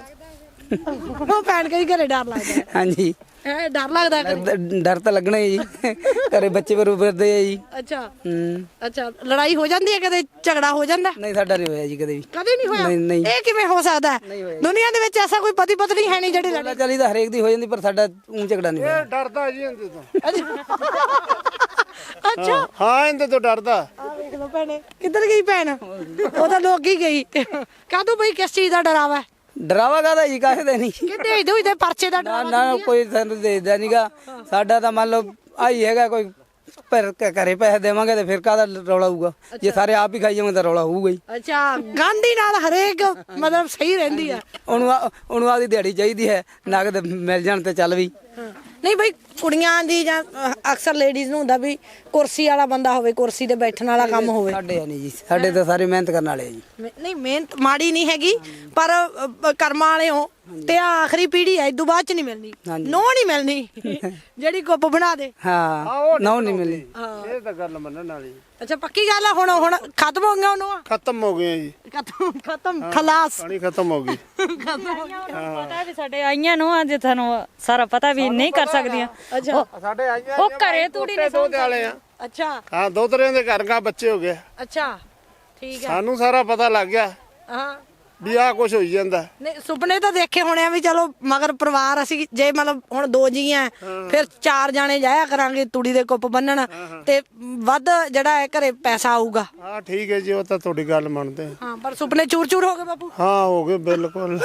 Speaker 1: ਉਹ ਭੈਣ ਕਈ ਘਰੇ ਡਰ ਲੱਗਦਾ?
Speaker 2: ਹਾਂਜੀ,
Speaker 1: ਡਰ ਲੱਗਦਾ ਘਰੇ?
Speaker 2: ਡਰ ਤਾਂ ਲੱਗਣਾ ਹੀ ਜੀ, ਘਰੇ ਬੱਚੇ ਫਿਰਦੇ ਆ ਜੀ।
Speaker 1: ਅੱਛਾ।
Speaker 2: ਹੂੰ।
Speaker 1: ਅੱਛਾ, ਲੜਾਈ ਹੋ ਜਾਂਦੀ ਹੈ ਕਦੇ? ਝਗੜਾ ਹੋ ਜਾਂਦਾ?
Speaker 2: ਨਹੀਂ, ਸਾਡਾ ਨਹੀਂ ਹੋਇਆ ਜੀ ਕਦੇ ਵੀ।
Speaker 1: ਕਦੇ ਨਹੀਂ ਹੋਇਆ?
Speaker 2: ਨਹੀਂ।
Speaker 1: ਇਹ ਕਿਵੇਂ ਹੋ ਸਕਦਾ ਹੈ? ਦੁਨੀਆ ਦੇ ਵਿੱਚ ਐਸਾ ਕੋਈ ਪਤੀ ਪਤਨੀ ਹੈ ਨਹੀਂ ਜਿਹੜੇ ਲੜੇ?
Speaker 2: ਚੱਲੀ ਤਾਂ ਹਰੇਕ ਦੀ ਹੋ ਜਾਂਦੀ, ਪਰ ਸਾਡਾ ਝਗੜਾ ਨਹੀਂ ਹੋਇਆ।
Speaker 4: ਡਰਦਾ ਜੀ ਇਹਦੇ ਤੋਂ।
Speaker 1: ਅੱਛਾ
Speaker 4: ਹਾਂ ਇਹਦੇ ਤੋਂ ਡਰਦਾ।
Speaker 1: ਆ ਵੇਖ ਲਓ ਭੈਣੇ, ਕਿੱਧਰ ਗਈ ਭੈਣ? ਉਹ ਤਾਂ ਲੋਕ ਹੀ ਗਈ। ਕਾਹਦੋਂ ਬਈ ਕਿਸ ਚੀਜ਼ ਦਾ ਡਰਾਵਾ?
Speaker 2: ਡਰਾਵਾ ਕਾਹਦਾ ਜੀ, ਕਾਹਦੇ ਦਾ ਨਹੀਂ।
Speaker 1: ਕਿਤੇ ਇਦੋਂ ਇਹਦੇ ਪਰਚੇ ਦਾ
Speaker 2: ਨਾ
Speaker 1: ਡਰਾਵਾ?
Speaker 2: ਨਾ ਕੋਈ ਸਾਨੂੰ ਦੇਦਾ ਨਹੀਂਗਾ। ਸਾਡਾ ਤਾਂ ਮੰਨ ਲਓ ਆਹੀ ਹੈਗਾ, ਕੋਈ ਪਰ ਘਰੇ ਪੈਸੇ ਦੇਵਾਂਗੇ ਤੇ ਫਿਰ ਕਾਹਦਾ ਰੌਲਾ ਹੋਊਗਾ। ਜੇ ਸਾਰੇ ਆਪ ਹੀ ਖਾਈ ਜਾਵਾਂਗੇ ਤਾਂ ਰੌਲਾ ਹੋਊਗਾ ਹੀ।
Speaker 1: ਅੱਛਾ, ਗਾਂਧੀ ਨਾਲ ਹਰੇਕ ਮਤਲਬ ਸਹੀ ਰਹਿੰਦੀ ਆ।
Speaker 2: ਉਹਨੂੰ ਆਦੀ ਦਿਹਾੜੀ ਚਾਹੀਦੀ ਹੈ, ਨਗਦ ਮਿਲ ਜਾਣ ਤੇ ਚੱਲ ਵੀ।
Speaker 1: ਨਹੀਂ ਬਈ ਕੁੜੀਆਂ ਦੀ ਜਾਂ ਅਕਸਰ ਲੇਡੀਜ਼ ਨੂੰ ਹੁੰਦਾ ਵੀ ਕੁਰਸੀ ਵਾਲਾ ਬੰਦਾ ਹੋਵੇ, ਕੁਰਸੀ ਤੇ ਬੈਠਣ ਵਾਲਾ ਕੰਮ ਹੋਵੇ।
Speaker 2: ਸਾਡੇ ਨਹੀਂ ਜੀ, ਸਾਡੇ ਤਾਂ ਸਾਰੇ ਮਿਹਨਤ ਕਰਨ ਵਾਲੇ ਆ ਜੀ।
Speaker 1: ਨਹੀਂ ਮਿਹਨਤ ਮਾੜੀ ਨਹੀਂ ਹੈਗੀ, ਪਰ ਕਰਮਾਂ ਵਾਲੇ ਹੋ ਤੇ ਆਹ ਆਖਰੀ ਪੀੜ੍ਹੀ ਹੈ, ਇਦੋਂ ਬਾਅਦ ਚ ਨਹੀਂ ਮਿਲਣੀ, ਨੋ ਨਹੀਂ ਮਿਲਣੀ ਜਿਹੜੀ ਕੁੱਪ ਬਣਾ ਦੇ।
Speaker 2: ਹਾਂ ਨਾ ਨਹੀਂ ਮਿਲਣੀ।
Speaker 4: ਇਹ ਤਾਂ ਗੱਲ ਮੰਨਣ ਵਾਲੀ।
Speaker 1: ਅੱਛਾ ਪੱਕੀ ਗੱਲ ਆ। ਹੁਣ ਖਤਮ ਹੋ ਗਿਆ ਉਹਨੂੰ?
Speaker 4: ਖਤਮ ਹੋ ਗਏ ਜੀ,
Speaker 1: ਖਤਮ ਖਲਾਸ।
Speaker 4: ਪਾਣੀ ਖਤਮ ਹੋ ਗਈ।
Speaker 3: ਪਤਾ ਵੀ ਸਾਡੇ ਆਈਆਂ ਨੂੰ ਅੱਜ ਤੁਹਾਨੂੰ ਸਾਰਾ ਪਤਾ ਵੀ ਨਹੀਂ ਕਰ ਸਕਦੀਆਂ।
Speaker 1: ਅੱਛਾ
Speaker 4: ਸਾਡੇ ਆਈਆਂ
Speaker 3: ਉਹ ਘਰੇ ਤੂੜੀ ਨੇ
Speaker 4: ਦੋ ਵਾਲੇ ਆ।
Speaker 1: ਅੱਛਾ
Speaker 4: ਹਾਂ ਦੋਤਰਿਆਂ ਦੇ ਘਰ ਗਾ ਬੱਚੇ ਹੋ ਗਏ।
Speaker 1: ਅੱਛਾ ਠੀਕ ਹੈ।
Speaker 4: ਸਾਨੂੰ ਸਾਰਾ ਪਤਾ ਲੱਗ ਗਿਆ
Speaker 1: ਹਾਂ
Speaker 4: ਵੀ ਆਹ ਕੁਝ ਹੋਈ ਜਾਂਦਾ।
Speaker 1: ਨਹੀਂ ਸੁਪਨੇ ਤਾਂ ਦੇਖੇ ਹੋਣੇ ਆ ਵੀ ਚਲੋ ਮਗਰ ਪਰਿਵਾਰ ਅਸੀਂ ਜੇ ਮਤਲਬ ਹੁਣ 2 ਜੀ ਆ ਫਿਰ 4 ਜਾਣੇ ਜਾਇਆ ਕਰਾਂਗੇ ਤੂੜੀ ਦੇ ਕੁੱਪ ਬੰਨਣ ਤੇ ਵੱਧ ਜਿਹੜਾ ਹੈ ਘਰੇ ਪੈਸਾ ਆਊਗਾ।
Speaker 4: ਹਾਂ ਠੀਕ ਹੈ ਜੀ, ਉਹ ਤਾਂ ਤੁਹਾਡੀ ਗੱਲ ਮੰਨਦੇ ਆ।
Speaker 1: ਹਾਂ ਪਰ ਸੁਪਨੇ ਚੂਰ ਚੂਰ ਹੋ ਗਏ ਬਾਪੂ।
Speaker 4: ਹਾਂ ਹੋ ਗਏ ਬਿਲਕੁਲ।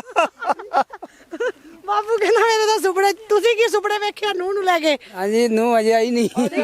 Speaker 1: ਬਾਪੂ ਕਹਿੰਦਾ ਮੇਰੇ ਤਾਂ ਸੁਪਨੇ, ਤੁਸੀਂ ਕੀ ਸੁਪਨੇ ਵੇਖਿਆ ਨੂੰਹ ਨੂੰ ਲੈ ਕੇ?
Speaker 2: ਹਾਂਜੀ ਨੂੰ ਅਜੇ ਆਈ ਨਹੀਂ।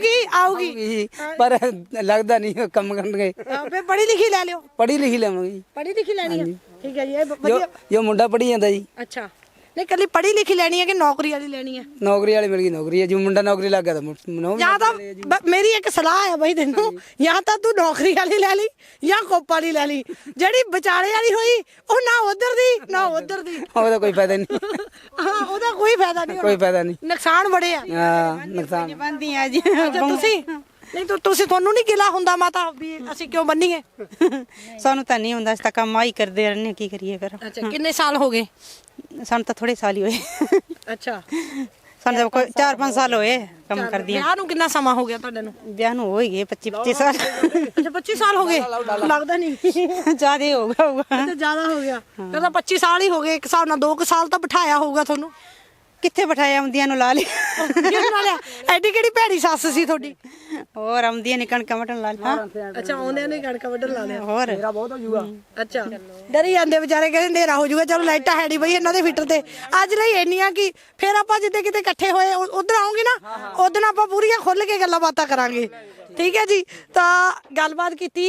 Speaker 1: ਆਊਗੀ
Speaker 2: ਪਰ ਲੱਗਦਾ ਨਹੀਂ ਕੰਮ ਕਰਨਗੇ।
Speaker 1: ਫੇ ਪੜ੍ਹੀ ਲਿਖੀ ਲੈ ਲਿਓ।
Speaker 2: ਪੜ੍ਹੀ ਲਿਖੀ ਲਵਾਂਗੇ।
Speaker 1: ਪੜ੍ਹੀ ਲਿਖੀ ਲੈਣੀ ਆ? ਠੀਕ ਹੈ ਜੀ, ਇਹ
Speaker 2: ਜੋ
Speaker 1: ਵਧੀਆ।
Speaker 2: ਜੋ ਮੁੰਡਾ ਪੜ੍ਹੀ ਜਾਂਦਾ ਜੀ।
Speaker 1: ਅੱਛਾ ਨਹੀਂ ਕੱਲੀ ਪੜ੍ਹੀ ਲਿਖੀ ਲੈਣੀ ਹੈ ਕਿ ਨੌਕਰੀ ਵਾਲੀ ਲੈਣੀ ਹੈ?
Speaker 2: ਨੌਕਰੀ ਵਾਲੀ ਮਿਲ ਗਈ ਨੌਕਰੀ ਹੈ, ਜੋ ਮੁੰਡਾ ਨੌਕਰੀ ਲੱਗ ਗਿਆ ਤਾਂ
Speaker 1: ਜਾਂ ਤਾਂ ਮੇਰੀ ਇੱਕ ਸਲਾਹ ਹੈ ਬਈ ਤੈਨੂੰ, ਜਾਂ ਤਾਂ ਤੂੰ ਨੌਕਰੀ ਵਾਲੀ ਲੈ ਲਈ ਜਾਂ ਕੋਪ ਵਾਲੀ ਲੈ ਲਈ। ਜਿਹੜੀ ਵਿਚਾਲੇ ਵਾਲੀ ਹੋਈ ਉਹ ਨਾ ਉਧਰ ਦੀ ਨਾ ਉਧਰ ਦੀ,
Speaker 2: ਉਹਦਾ ਕੋਈ ਫਾਇਦਾ ਨਹੀਂ।
Speaker 1: ਹਾਂ ਉਹਦਾ ਕੋਈ ਫਾਇਦਾ ਨਹੀਂ,
Speaker 2: ਕੋਈ ਫਾਇਦਾ ਨਹੀਂ।
Speaker 1: ਨੁਕਸਾਨ ਬੜੇ ਆ।
Speaker 2: ਹਾਂ ਨੁਕਸਾਨ।
Speaker 5: ਬੰਦੀ ਆ ਜੀ।
Speaker 1: ਅੱਛਾ ਤੁਸੀਂ ਨਹੀਂ ਤੁਸੀਂ ਤੁਹਾਨੂੰ ਨਹੀਂ ਗਿਲਾ ਹੁੰਦਾ ਮਾਤਾ ਵੀ ਅਸੀਂ ਕਿਉਂ ਬੰਨੀਏ?
Speaker 5: ਸਾਨੂੰ ਤਾਂ ਨਹੀਂ ਹੁੰਦਾ, ਅਸੀਂ ਤਾਂ ਕੰਮ ਆਈ ਕਰਦੇ ਰਹਿੰਦੇ, ਕੀ ਕਰੀਏ ਫਿਰ।
Speaker 1: ਅੱਛਾ ਕਿੰਨੇ ਸਾਲ ਹੋ ਗਏ?
Speaker 5: ਸਾਨੂੰ ਤਾਂ ਥੋੜੇ ਸਾਲ ਹੀ ਹੋਏ।
Speaker 1: ਅੱਛਾ
Speaker 5: ਸਾਨੂੰ ਤਾਂ ਕੋਈ 4-5 ਸਾਲ ਹੋਏ ਕੰਮ ਕਰਦੀ।
Speaker 1: ਵਿਆਹ ਨੂੰ ਕਿੰਨਾ ਸਮਾਂ ਹੋ ਗਿਆ ਤੁਹਾਡੇ ਨੂੰ?
Speaker 5: ਵਿਆਹ ਨੂੰ ਹੋ ਹੀ ਗਏ 25 ਸਾਲ।
Speaker 1: ਅੱਛਾ 25 ਸਾਲ ਹੋ ਗਏ? ਲੱਗਦਾ ਨਹੀਂ
Speaker 5: ਜ਼ਿਆਦਾ ਹੋ ਗਿਆ ਹੋਊਗਾ।
Speaker 1: ਤੇ ਜ਼ਿਆਦਾ ਹੋ ਗਿਆ। ਕਹਿੰਦਾ 25 ਸਾਲ ਹੀ ਹੋ ਗਏ। ਇੱਕ ਹਿਸਾਬ ਨਾਲ 2 ਸਾਲ ਤਾਂ ਬਿਠਾਇਆ ਹੋਊਗਾ ਤੁਹਾਨੂੰ।
Speaker 5: ਕਿੱਥੇ ਬਿਠਾਇਆ, ਆਉਂਦੀਆਂ ਨੂੰ ਲਾ ਲਿਆ।
Speaker 1: ਕਿਹਨਾਂ ਲਿਆ? ਐਡੀ ਕਿਹੜੀ ਭੈੜੀ ਸੱਸ ਸੀ ਤੁਹਾਡੀ?
Speaker 5: ਹੋਰ ਆਉਂਦੀਆਂ ਨੇ ਕਣਕਾਂ ਵਟਣ ਲਾ ਲਿਆ।
Speaker 1: ਅੱਛਾ ਆਉਂਦਿਆਂ ਨੇ ਕਣਕ ਵੱਢਣ ਲਾ ਲਿਆ।
Speaker 5: ਹੋਰ
Speaker 2: ਬਹੁਤ ਹੋ ਜੂਗਾ।
Speaker 1: ਅੱਛਾ ਡਰੀ ਜਾਂਦੇ ਵਿਚਾਰੇ, ਕਹਿੰਦੇ ਹਨੇਰਾ ਹੋ ਜਾਊਗਾ, ਚਲੋ ਲਾਈਟਾਂ ਹੈ ਨਹੀਂ ਬਈ ਇਹਨਾਂ ਦੇ ਫਿੱਟਰ ਤੇ ਅੱਜ ਲਈ ਇੰਨੀਆਂ ਕਿ ਫਿਰ ਆਪਾਂ ਜਿੱਦੇ ਕਿਤੇ ਇਕੱਠੇ ਹੋਏ ਉਧਰ ਆਉਂਗੇ ਨਾ, ਉਦੋਂ ਆਪਾਂ ਪੂਰੀਆਂ ਖੁੱਲ ਕੇ ਗੱਲਾਂ ਬਾਤਾਂ ਕਰਾਂਗੇ। ਠੀਕ ਹੈ ਜੀ, ਤਾਂ ਗੱਲਬਾਤ ਕੀਤੀ।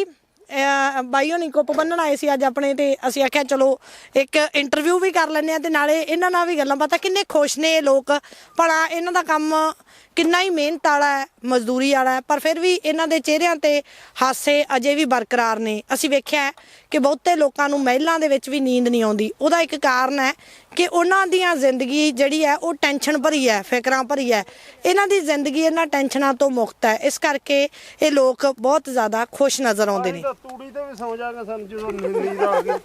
Speaker 1: ਬਾਈ ਹੋਣੀ ਕੁੱਪ ਬੰਨਣ ਆਏ ਸੀ ਅੱਜ ਆਪਣੇ, ਤੇ ਅਸੀਂ ਆਖਿਆ ਚਲੋ ਇੱਕ ਇੰਟਰਵਿਊ ਵੀ ਕਰ ਲੈਂਦੇ ਆ ਤੇ ਨਾਲੇ ਇਹਨਾਂ ਨਾਲ ਵੀ ਗੱਲਾਂ ਬਾਤਾਂ। ਕਿੰਨੇ ਖੁਸ਼ ਨੇ ਇਹ ਲੋਕ, ਭਲਾ ਇਹਨਾਂ ਦਾ ਕੰਮ ਕਿੰਨਾ ਹੀ ਮਿਹਨਤ ਵਾਲਾ ਹੈ, ਮਜ਼ਦੂਰੀ ਵਾਲਾ ਹੈ, ਪਰ ਫਿਰ ਵੀ ਇਹਨਾਂ ਦੇ ਚਿਹਰਿਆਂ ਤੇ ਹਾਸੇ ਅਜੇ ਵੀ ਬਰਕਰਾਰ ਨੇ। ਅਸੀਂ ਵੇਖਿਆ ਕਿ ਬਹੁਤੇ ਲੋਕਾਂ ਨੂੰ ਮਹਿਲਾਂ ਦੇ ਵਿੱਚ ਵੀ ਨੀਂਦ ਨਹੀਂ ਆਉਂਦੀ। ਉਹਦਾ ਇੱਕ ਕਾਰਨ ਹੈ ਕਿ ਉਹਨਾਂ ਦੀਆਂ ਜ਼ਿੰਦਗੀ ਜਿਹੜੀ ਹੈ ਉਹ ਟੈਨਸ਼ਨ ਭਰੀ ਹੈ, ਫਿਕਰਾਂ ਭਰੀ ਹੈ। ਇਹਨਾਂ ਦੀ ਜ਼ਿੰਦਗੀ ਇਹਨਾਂ ਟੈਨਸ਼ਨਾਂ ਤੋਂ ਮੁਕਤ ਹੈ, ਇਸ ਕਰਕੇ ਇਹ ਲੋਕ ਬਹੁਤ ਜ਼ਿਆਦਾ ਖੁਸ਼ ਨਜ਼ਰ ਆਉਂਦੇ ਨੇ।
Speaker 4: ਤੂੜੀ ਤੇ ਵੀ ਸੌ ਜਾਗਾ ਸਾਨੂੰ ਜਦੋਂ ਨੀਂਦ ਆ ਗਈ।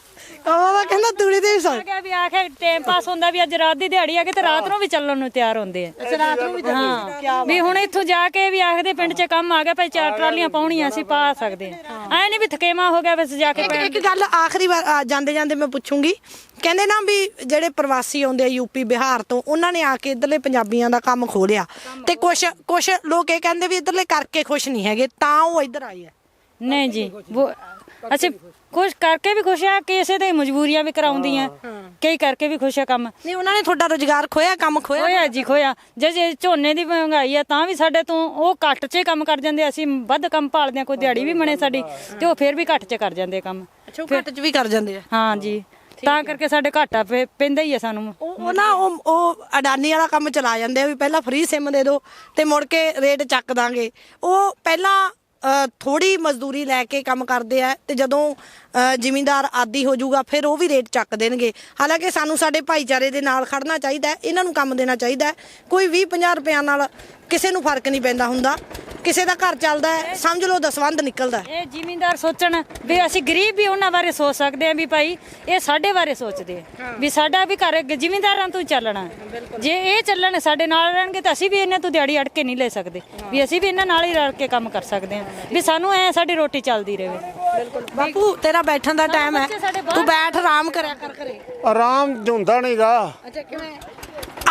Speaker 1: ਉਹ ਕਹਿੰਦਾ ਤੂੜੀ ਤੇ ਵੀ ਸੌ
Speaker 3: ਗਿਆ ਵੀ ਆਖੇ ਟਾਈਮ ਪਾਸ ਹੁੰਦਾ ਵੀ ਅੱਜ ਰਾਤ ਦੀ ਦਿਹਾੜੀ ਆ ਗਏ ਤੇ ਰਾਤ ਨੂੰ ਵੀ ਚੱਲਣ ਨੂੰ ਤਿਆਰ ਹੁੰਦੇ ਆ।
Speaker 1: ਅੱਛਾ ਰਾਤ ਨੂੰ ਵੀ
Speaker 3: ਹਾਂ ਵੀ ਹੁਣ ਇੱਥੋਂ ਜਾ ਕੇ ਵੀ ਆਖਦੇ ਪਿੰਡ 'ਚ ਕੰਮ ਆ ਗਿਆ ਭਾਈ 4 ਟਰਾਲੀਆਂ ਪਾਉਣੀਆਂ ਅਸੀਂ ਪਾ ਸਕਦੇ ਆ। ਐ ਨਹੀਂ ਵੀ ਥਕੇਮਾ ਹੋ ਗਿਆ ਬਸ ਜਾ ਕੇ
Speaker 1: ਇੱਕ ਗੱਲ ਆਖਰੀ ਵਾਰ ਜਾਂਦੇ ਜਾਂਦੇ ਮੈਂ ਪੁੱਛੂੰਗੀ। ਕਹਿੰਦੇ ਨਾ ਵੀ ਜਿਹੜੇ ਪ੍ਰਵਾਸੀ ਆਉਂਦੇ ਆ ਯੂਪੀ ਬਿਹਾਰ ਤੋਂ, ਉਹਨਾਂ ਨੇ ਆ ਕੇ ਇੱਧਰਲੇ ਪੰਜਾਬੀਆਂ ਦਾ ਕੰਮ ਖੋਲਿਆ ਤੇ ਕੁਛ ਲੋਕ ਇਹ ਕਹਿੰਦੇ ਵੀ ਇੱਧਰਲੇ ਕਰਕੇ ਖੁਸ਼ ਨਹੀਂ ਹੈਗੇ ਤਾਂ ਉਹ ਇੱਧਰ ਆਏ ਆ।
Speaker 3: ਨਹੀਂ ਜੀ ਅਸੀਂ ਖੁਸ਼ ਕਰਕੇ ਵੀ ਖੁਸ਼ ਆ, ਕਿਸੇ ਦੇ ਮਜਬੂਰੀਆਂ ਵੀ ਕਰਾਉਂਦੀਆਂ, ਕਈ ਕਰਕੇ ਵੀ ਖੁਸ਼ ਆ ਕੰਮ।
Speaker 1: ਨਹੀਂ ਉਹਨਾਂ ਨੇ ਤੁਹਾਡਾ ਰੁਜ਼ਗਾਰ ਖੋਇਆ, ਕੰਮ ਖੋਇਆ?
Speaker 3: ਖੋਇਆ ਜੀ ਖੋਇਆ। ਜੇ ਝੋਨੇ ਦੀ ਮਹਿੰਗਾਈ ਆ ਤਾਂ ਵੀ ਸਾਡੇ ਤੋਂ ਉਹ ਘੱਟ 'ਚ ਕੰਮ ਕਰ ਜਾਂਦੇ, ਅਸੀਂ ਵੱਧ ਕੰਮ ਭਾਲਦੇ ਆ, ਕੋਈ ਦਿਹਾੜੀ ਵੀ ਬਣੇ ਸਾਡੀ ਤੇ ਉਹ ਫਿਰ ਵੀ ਘੱਟ 'ਚ ਕਰ ਜਾਂਦੇ ਕੰਮ।
Speaker 1: ਅੱਛਾ ਉਹ ਘੱਟ 'ਚ ਵੀ ਕਰ ਜਾਂਦੇ ਆ?
Speaker 3: ਹਾਂ ਜੀ, ਤਾਂ ਕਰਕੇ ਸਾਡੇ ਘਾਟਾ ਪੈਂਦਾ ਹੀ ਆ ਸਾਨੂੰ।
Speaker 1: ਉਹ ਨਾ ਉਹ ਅਡਾਨੀ ਵਾਲਾ ਕੰਮ ਚਲਾ ਜਾਂਦੇ ਆ ਵੀ ਪਹਿਲਾਂ ਫ੍ਰੀ ਸਿਮ ਦੇ ਦਿਓ ਤੇ ਮੁੜ ਕੇ ਰੇਟ ਚੱਕ ਦਾਂਗੇ। ਉਹ ਪਹਿਲਾਂ ਥੋੜੀ ਮਜ਼ਦੂਰੀ ਲੈ ਕੇ ਕੰਮ ਕਰਦੇ ਆ ਤੇ ਜਦੋਂ ਜ਼ਿਮੀਂਦਾਰ ਆਦੀ ਹੋ ਜਾਊਗਾ ਫਿਰ ਉਹ ਵੀ ਰੇਟ ਚੱਕ ਦੇਣਗੇ। ਹਾਲਾਂਕਿ ਸਾਨੂੰ ਸਾਡੇ ਭਾਈਚਾਰੇ ਦੇ ਨਾਲ ਖੜਨਾ ਚਾਹੀਦਾ, ਇਹਨਾਂ ਨੂੰ ਕੰਮ ਦੇਣਾ ਚਾਹੀਦਾ। ਕੋਈ 20-50 ਰੁਪਿਆਂ ਨਾਲ ਕਿਸੇ ਨੂੰ ਫਰਕ ਨਹੀਂ ਪੈਂਦਾ ਹੁੰਦਾ। ਕਿਸੇ ਦਾ ਘਰ ਚੱਲਦਾ ਹੈ, ਸਮਝ ਲਓ ਦਸਵੰਧ ਨਿਕਲਦਾ।
Speaker 3: ਇਹ ਜ਼ਿਮੀਂਦਾਰ ਸੋਚਣ ਵੀ ਅਸੀਂ ਗਰੀਬ ਵੀ ਉਹਨਾਂ ਬਾਰੇ ਸੋਚ ਸਕਦੇ ਆ ਵੀ ਭਾਈ ਇਹ ਸਾਡੇ ਬਾਰੇ ਸੋਚਦੇ ਆ ਵੀ ਸਾਡਾ ਵੀ ਘਰ ਜ਼ਿਮੀਂਦਾਰਾਂ ਤੋਂ ਚੱਲਣਾ। ਜੇ ਇਹ ਚੱਲਣ ਸਾਡੇ ਨਾਲ ਰਹਿਣਗੇ ਤਾਂ ਅਸੀਂ ਵੀ ਇਹਨਾਂ ਤੋਂ ਦਿਹਾੜੀ ਅੜ ਕੇ ਨਹੀਂ ਲੈ ਸਕਦੇ, ਵੀ ਅਸੀਂ ਵੀ ਇਹਨਾਂ ਨਾਲ ਹੀ ਰਲ ਕੇ ਕੰਮ ਕਰ ਸਕਦੇ ਆ, ਵੀ ਸਾਨੂੰ ਐ ਸਾਡੀ ਰੋਟੀ ਚੱਲਦੀ ਰਹੇ।
Speaker 1: ਬਾਪੂ ਤੇਰਾ ਬੈਠਣ ਦਾ ਟਾਈਮ ਹੈ, ਤੂੰ ਬੈਠ ਆਰਾਮ ਕਰਿਆ ਕਰ ਘਰੇ।
Speaker 4: ਆਰਾਮ ਹੁੰਦਾ ਨਹੀਂਗਾ।
Speaker 1: ਅੱਛਾ ਕਿਵੇਂ ਆ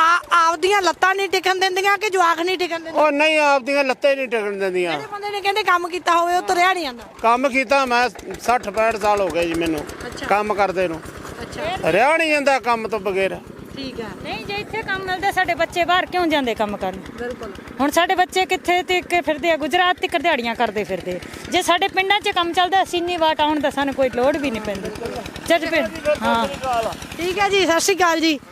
Speaker 1: ਆਪਦੀਆਂ ਲੱਤਾਂ ਨਹੀਂ ਟਿਕਣ ਦਿੰਦੀਆਂ ਕਿ ਜਵਾਕ ਨਹੀਂ ਟਿਕਣ ਦਿੰਦੇ?
Speaker 4: ਉਹ ਨਹੀਂ ਆਪਦੀਆਂ ਲੱਤਾਂ ਹੀ ਨਹੀਂ ਟਿਕਣ ਦਿੰਦੀਆਂ।
Speaker 1: ਜਿਹੜੇ ਬੰਦੇ ਨੇ ਕਹਿੰਦੇ ਕੰਮ ਕੀਤਾ ਹੋਵੇ ਉਹ ਤੁਰਿਆ ਨਹੀਂ ਜਾਂਦਾ।
Speaker 4: ਕੰਮ ਕੀਤਾ ਮੈਂ 60 65 ਸਾਲ ਹੋ ਗਏ ਜੀ ਮੈਨੂੰ ਕੰਮ ਕਰਦੇ ਨੂੰ।
Speaker 1: ਅੱਛਾ
Speaker 4: ਰਿਹਾ ਨਹੀਂ ਜਾਂਦਾ ਕੰਮ ਤੋਂ ਬਗੈਰ।
Speaker 1: ਠੀਕ ਹੈ।
Speaker 3: ਨਹੀਂ ਜੇ ਇੱਥੇ ਕੰਮ ਮਿਲਦਾ ਸਾਡੇ ਬੱਚੇ ਬਾਹਰ ਕਿਉਂ ਜਾਂਦੇ ਕੰਮ ਕਰਨ?
Speaker 1: ਬਿਲਕੁਲ।
Speaker 3: ਹੁਣ ਸਾਡੇ ਬੱਚੇ ਕਿੱਥੇ ਤੱਕ ਫਿਰਦੇ ਆ? ਗੁਜਰਾਤ ਤੱਕ ਦਿਹਾੜੀਆਂ ਕਰਦੇ ਫਿਰਦੇ। ਜੇ ਸਾਡੇ ਪਿੰਡਾਂ 'ਚ ਕੰਮ ਚੱਲਦਾ ਸੀਨੀ ਵਾਟ ਆਉਣ ਦਾ ਸਾਨੂੰ ਕੋਈ ਲੋੜ ਵੀ ਨਹੀਂ ਪੈਂਦੀ। ਜਦ ਹਾਂ
Speaker 1: ਠੀਕ ਹੈ ਜੀ, ਸਤਿ ਸ਼੍ਰੀ ਅਕਾਲ ਜੀ।